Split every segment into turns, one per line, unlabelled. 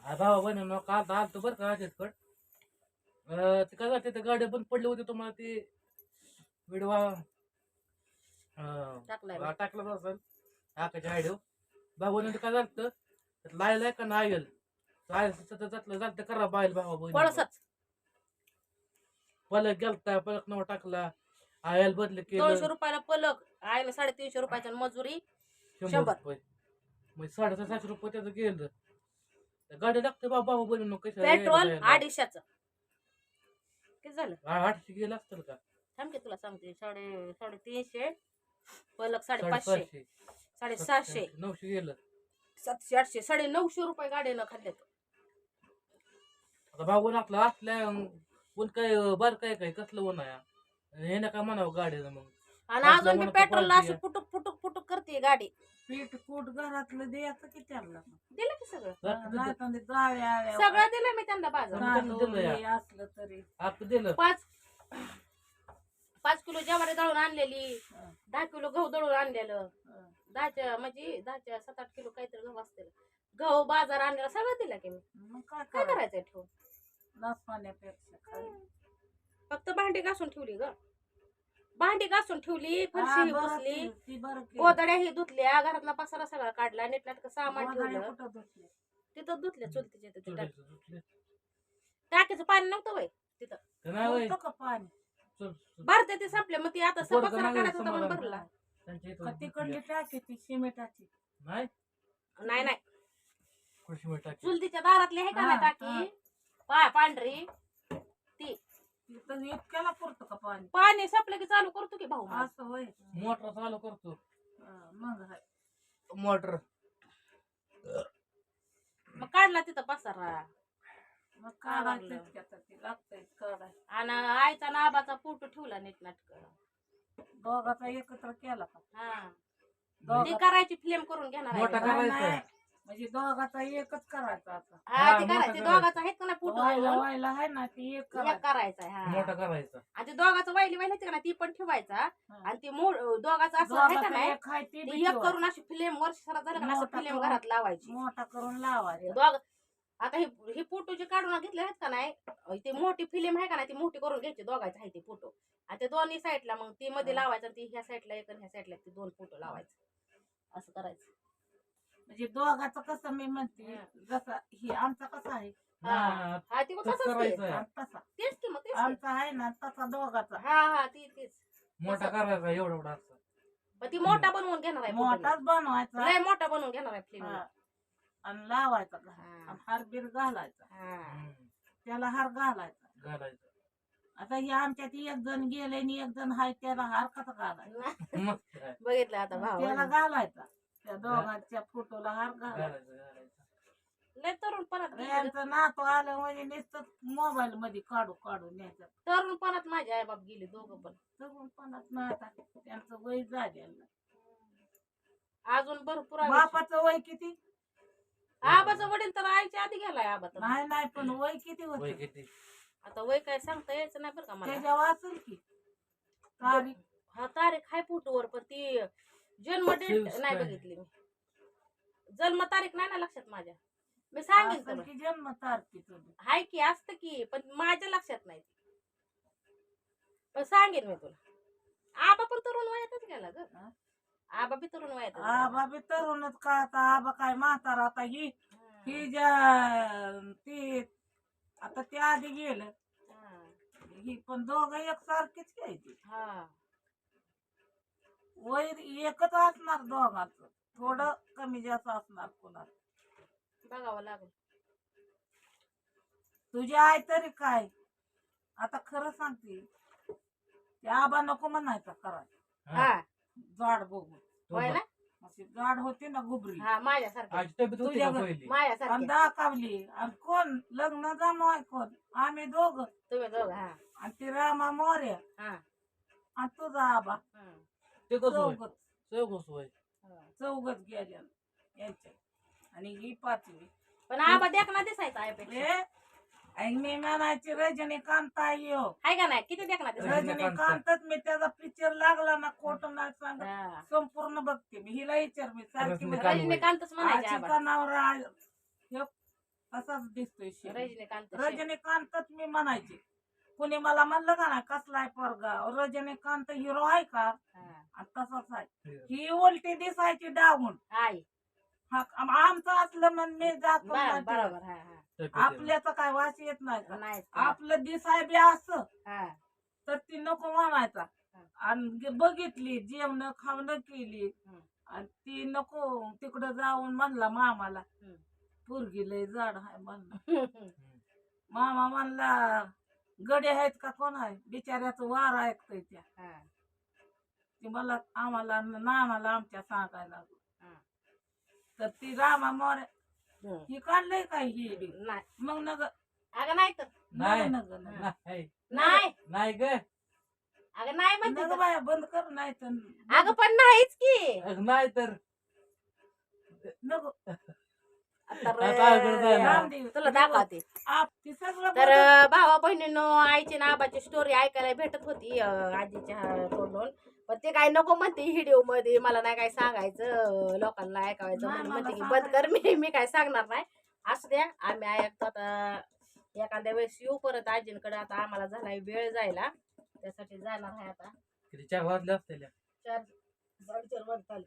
भावा बहिणी का आलतो बरं का राजेशकड ते काय झालं, ते गाड्या बंद पडली होती तुम्हाला ते व्हिडिओ
टाकलाय
टाकलं असेल आकाच्या आयडिओ भाऊ काय झालं लायलाय का नाही आयल जातलं जात करा बायल भावा बहिणी
पळसच
पलक गेलता पलक नाव टाकला आयल बदल केलं
200 रुपयाला पलक आयला 350 रुपयाचा मजुरी
100
100
रुपये मग 750 रुपये त्याचं गेलं गाडी लागते बाबा बहिणी कसं
पेट्रोल 250चं किती झालं
800 गेलं असतं का
थांब की तुला सांगते 350 पलक 550 750
900 गेलं
700 800 950 रुपये गाडीनं खाल्ल्यात
आता भाऊ आपला असल्या कोण काय बर काय कसलं ऊन आहे हे ना काय म्हणावं गाडीनं मग
आणि अजून बी पेट्रोलला अशी फुटुक फुटुक फुटुक करते गाडी
पीठ कूट घरातलं द्यायचं की त्यांना
दिलं की सगळं
जाव्या
सगळं दिलं मी त्यांना बाजार
असलं तरी
आपण दिलं
5 किलो ज्वारी दळून आणलेली 10 किलो गहू दळून आणलेलं 10च्या 7-8 किलो काहीतरी गहू असतील गहू बाजार आणलेला सगळं दिलं की मी
मग
काय
काय
करायचंय ठेवून
नसपाण्यापेक्षा
फक्त भांडी घासून ठेवली ग भांडी घासून ठेवली फरशी ही पुसली
ती बरं
गोदड्या ही धुतल्या घरातला पसारा सगळा काढला नीटनाटक सामान ठेवलं तिथं धुतल्या चुलतीच्या तिथं टाकीचं पाणी नव्हतं वय तिथं
पाणी
भरते ते संपले मग ती आता पसारा काढायचा होता म्हणून भरला
तिकडली टाकी ती सिमेंटाची
नाही
नाही नाही
कृषी मिळ टाकी
चुलतीच्या दारातली आहे का नाही टाकी पांढरी ती
इतक्याला पुरतं का पाणी
पाणी संपलं की चालू करतो की भाऊ
असं होय
मोटर चालू करतो
मग
मोटर
मग काढला तिथं पसारा
मग काढायचं लागतंय काढाय
आणि आईचा नाबाचा फोटो ठेवला नीटनाटक
दोघाचा एकत्र केला का
हा ती करायची फिल्म करून घेणार
मोठा
आहे.
करायचा
म्हणजे दोघाचा एकच करायचा आता
हा ती
मोठा
करायची
करायचा.
दोघाचा आहेत का ना फोटो
व्हायला आहे ना ती एक
करायचा हा
मोठा करायचा
आणि ते दोघाचं वाहिली का ना ती पण ठेवायचा आणि ती दोघाचं असं आहे का नाही ती एक करून अशी फिल्म वर्ष झालं का ना असं
मोठा
फिल्म
करून.
घरात लावायची
मोठा करून लावायचा
दोघ आता ही फोटो जे काढून घेतले आहेत का नाही ती मोठी फिल्म आहे का नाही ती मोठी करून घ्यायची दोघायचं आहे ते फोटो आणि ते दोन्ही साईडला मग ती मध्ये लावायचं ती ह्या साईडला एक आणि ह्या साईडला ती 2 फोटो लावायचं असं करायचं
म्हणजे दोघाचं कसं मी म्हणते जसं ही आमचा कसा आहे
हा ती मग तसंच ते.
तसा
तेच की मग तेच की.
आमचा आहे ना तसा दोघाचा
हा तीच
मोठा करायचा एवढा असं
पण ती मोठा बनवून घेणार आहे
मोठाच बनवायचा
लय मोठा बनवून घेणार आहे फिल्म
हा. आणि लावायचा आणि हारबीर घालायचा त्याला हार घालायचा
घालायचं
आता हे आमच्यात एक जण गेले आणि एक जण हाय त्याला हार कसा घालायचा
मग काय?
बघितलं आता भाऊ
त्याला घालायचा त्या दोघांच्या फोटोला हार घालायचा
घालायचं
लय तरुणपणात
यांचं नातू आलं म्हणजे नुसतं मोबाईल मध्ये काढून न्यायचं
तरुणपणात माझे आई बाप गेले दोघं पण
तरुणपणात ना आता त्यांचं वय झालेलं नाही.
अजून भरपूर आहे.
बापाचं वय किती
आबाचा वडील तर आईच्या आधी गेलाय आबा तर
नाही पण वय किती
वय
होत
किती
आता वय काय सांगता यायचं नाही बरं का मला
त्याच्या वाचल की तारीख
हा तारीख आहे फोटोवर पण ती जन्म डेट नाही बघितली मी जन्म तारीख नाही ना लक्षात माझ्या मी सांगेन
असेल
तुला
की जन्म तारखेचं
हाय की असतं की पण माझ्या लक्षात नाही पण सांगेन मी तुला आबा पण तरुण वयातच गेला ग आबा बी तरुण वयात
आबा बी तरुणच का आता आबा काय म्हातारा आता ही ज्या ती आता ते आधी गेलं ही पण दोघं एकसारखीच घ्यायची
हा
वय एकच असणार दोघांचं थोडं कमी जास्त असणार कोणाचं
बघावं लागेल
तुझी आई तरी काय आता खरं सांगते ते आबा नको म्हणायचा करायचं
हा
जाड बघून
होय ना
अशी जाड होती ना गुबरी
हा माझ्यासारखी
आजी तब्येत होती का पहिली
आणि
माझ्यासारखी
दाखवली आणि कोण लग्न जमवाय कोण आम्ही दोघं
तुम्ही दोघं हा
आणि ती रामा मोर्या
हा
आणि तुझा आबा
ते कसं होय
चौघच
चौघस होय
चौघच गेल्या यांच्या आणि ही 5वी
पण आबा देखना दिसायचा आईपेक्षा
आणि मी म्हणायची रजनीकांत आई हो
हाय का नाही किती देखना दिसायचा
रजनीकांतच मी त्याचा पिक्चर लागला ना खोट नाही सांगत
हा.
संपूर्ण बघते मी हिला विचार मी सारखी
रजनीकांत.
रजनीकांतच म्हणायचे
आजी
आबा
का नवरा तसाच दिसतोय शेण.
रजनीकांत
रजनीकांतच मी म्हणायचे. कुणी मला म्हणलं का ना कसलाय पोरगा रजनीकांत हिरो आहे का आणि तसाच आहे. ही उलटी दिसायची डावून
आई
आमचं असलं म्हण मी जातो
बरोबर हा हा
आपल्याचं काय वास येत नाही का
नाही
आपलं दिसाय बी असं
हा
तर ती नको म्हणायचा.
हा.
आणि बघितली जेवण खावणं केली
हम्म.
आणि ती नको तिकडं जाऊन म्हणला मामाला
हम्म.
पोरगी लय जाड आहे म्हणला.
हम्म.
मामा म्हणला गडे आहेत का कोण आहे बिचाऱ्याचं वार ऐकतोय त्या
हा.
ती मला आम्हाला नानाला आमच्या सांगायला लागलो.
हा.
तर ती रामा मोर
हम्म.
ही काढलंय काय ही बी?
नाही
मग नग
अगं नाही तर
नाही
नग नग
नाही
नाही
नाही ग
अगं नाही म्हणते
नग
तर.
बाया बंद कर नाही तर
अगं पण नाहीच की
नाही तर
नको
आता
आता अवघड झालं.
राम दे.
तुला दाखवते
ती सगळं
तर
बघत-
भावा बहिणींनो आईची ना आबाची स्टोरी ऐकायला भेटत होती आजीच्या तोंडून पण ते काय नको म्हणते व्हिडिओ मध्ये मला नाही काय सांगायचं लोकांना ऐकायचं
नाही,
म्हणून
मला
म्हणते की बंद कर मी काय सांगणार नाही असू द्या आम्ही ऐकतो आता एखाद्या वेळेस येऊ परत आजींकडे आता आम्हाला झालाय वेळ जायला त्यासाठी जाणार आहे आता
किती 4 वाजले असतील
4:30 वाजता आले.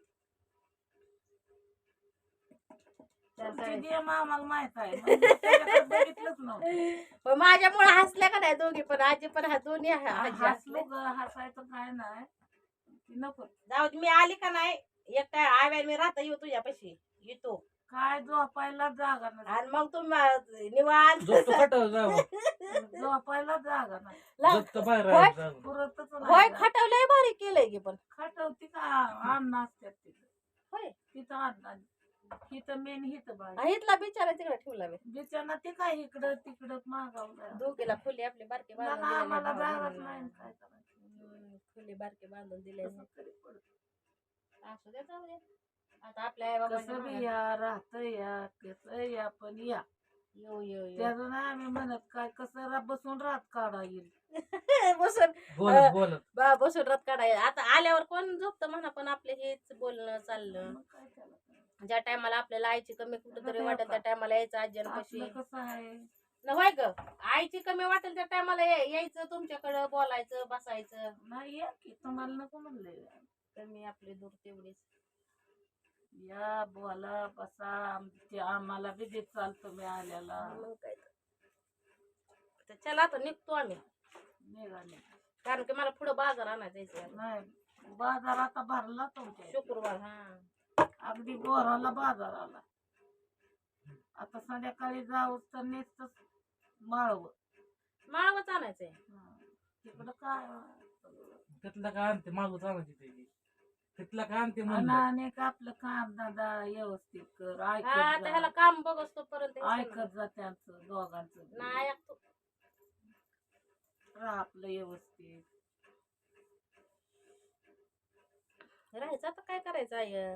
4
ती
4:30.
गेम आम्हाला माहित आहे म्हणजे त्याच्याकडे बघितलंच नव्हतं.
पण माझ्यामुळे हसल्या का नाही दोघी पण आजी पण दोन्ही आजी
हसलो
हसले
ग हसायचं काय नाही ती नको
जाऊ दे, मी आली का नाही एकटा आव्या मी राहता येऊ तुझ्यापाशी येतो
काय झोपायला जागा नाही
आणि मग तुम्ही निवांत
झोपतो खटाव जावं
झोपायला जागा नाही
झोपतो बाहेर
होय?
जावं
पुरतच
होय
नाही जागा.
खटवलंय भारी केलंय की पण
खटवती का अन्न असतात तिथं
होय
तिथं अन्न हिथं मेन हिथं बाई
आणि इथला बिचारा तिकडे ठेवला मी
बिचारा ते काय इकडं तिकडं मागावलं
दोघीला फुली आपली बारके बांधून दिलेले
आम्हाला
भावा
जागाच नाही
बहिणींना.
काय करायचं
फुली बारके बांधून दिले
कसं तरी पडतं.
असू द्या जाऊ दे आता आपल्या आई
कसं बी या राहत या कसं या पण या
येऊ येऊ येऊ
त्याचं नाही आम्ही म्हणत काय कसं बसून राहत काढा येईल
बसून
बोलत बोलत
बसून रथ काढाय आता आल्यावर कोण झोपतं म्हणा पण आपलं हेच बोलणं चाललं
मग काय त्याला काय.
ज्या टायमाला आपल्याला आईची कमी कुठेतरी वाटेल त्या टायमाला यायचं आज्यांपाशी
आपलं कसं आहे
नव्हे ग आईची कमी वाटेल त्या टायमाला यायचं तुमच्याकडं बोलायचं बसायचं
नाही या की तुम्हाला नको म्हणले
कमी आपली दूर तेवढीच
या बोला बसा आम्हाला बी देत चालतो मी आल्याला
मग काय तर चला आता निघतो आम्ही
निघाले
कारण की मला पुढं बाजार आणायचं जायचं
नाही बाजार आता भरला तुमच्या
शुक्रवार हा
अगदी बोराला बाजार आला आता संध्याकाळी जाऊ तर नुसतं माळव
माळवच आणायचंय
तिकडं काय
तिथलं काय आणते मागूच आणायची त्याची तिथलं काय आणते
आणि
म्हणलं
अनेक आपलं काम दादा व्यवस्थित कर
हा
ऐकत
आता ह्याला
जा.
काम बघ असतो पर्यंत
ऐकत जा त्यांचं दोघांचं
नाही ऐकतो
राहा आपलं व्यवस्थित
राहायचं आता काय करायचं आहे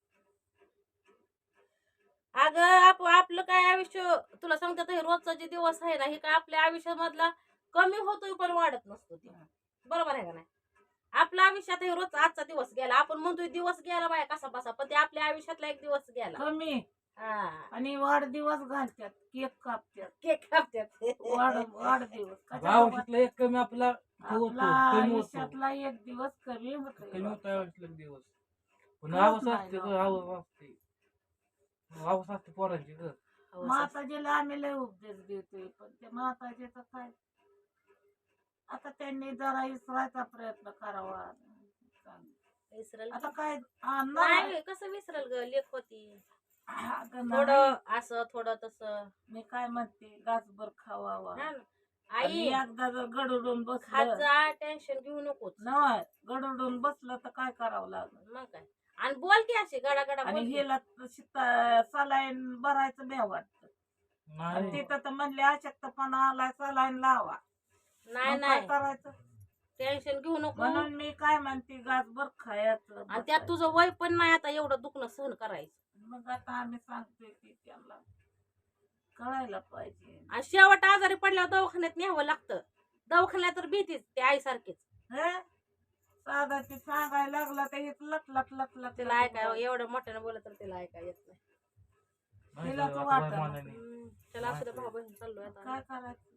अगं आपलं काय आयुष्य तुला सांगतात हे रोजचा जे दिवस आहे ना हे काय आपल्या आयुष्यामधला कमी होतोय पण वाढत नसतो ते बरोबर आहे का नाही आपल्या आयुष्यात हे रोज आजचा दिवस गेला आपण म्हणतोय दिवस गेला बाया कसा बसा पण ते आपल्या आयुष्यातला एक दिवस गेला
कमी
हा
आणि वाढदिवस घालतात केक कापतात
केक कापतात
वाढदिवस
आयुष्यातला एक कमी आपला होतो
आपला
कमी होतो
आयुष्यातला एक दिवस कमी
कमी
होतो
होतो आयुष्यातला एक दिवस पण
कळत
आवाज
नाही
असते ग
ना.
आवाज असते आवाज असते पोरांची ग
माताजीला आम्ही लय उपदेश देतोय पण ते माताजीचं काय आता त्यांनी जरा विसरायचा प्रयत्न करावा
विसरल
आता काय
नाही कसं विसरल ग लेख होती
अगं नाही.
थोडं असं थोडं तसं
मी काय म्हणते गासभर खावावा
हा ना.
आणि
आई
एकदा जर गडूडून बसलं
खाजा टेन्शन घेऊ नकोच
नाही गडूडून बसलं तर काय करावं लागलं
मग काय आणि बोल की अशी गडा गडा
आणि
बोल की.
हिला सलाईन भरायचं भ्या वाटत
नाही
तिथं तर म्हणले अशक्तपणा आलाय सलाईन लावा
नाही
मग काय
नाही
करायचं
टेन्शन घेऊ नको
म्हणून मी काय म्हणते गासभर खायचं
आणि त्यात तुझं वय पण नाही आता एवढं दुखणं सहन करायचं
मग आता आम्ही सांगतोय की त्यांना कळायला पाहिजे
आणि शेवट आजारी पडल्यावर दवाखान्यात न्यावं लागतं दवाखान्यात तर भीतीच ते आईसारखीच
हे साधा ते सांगायला लागला तर हेच लट लट लट लट
तिला ऐकाय एवढं मोठ्यानं बोलत तर तिला ऐकाय येत नाही
नाही
तिला
ग,
तर
आता
वाटतं.
बाय मानाने.
त्याला असं भाऊ बहीण चाललोय आता
काय करायचं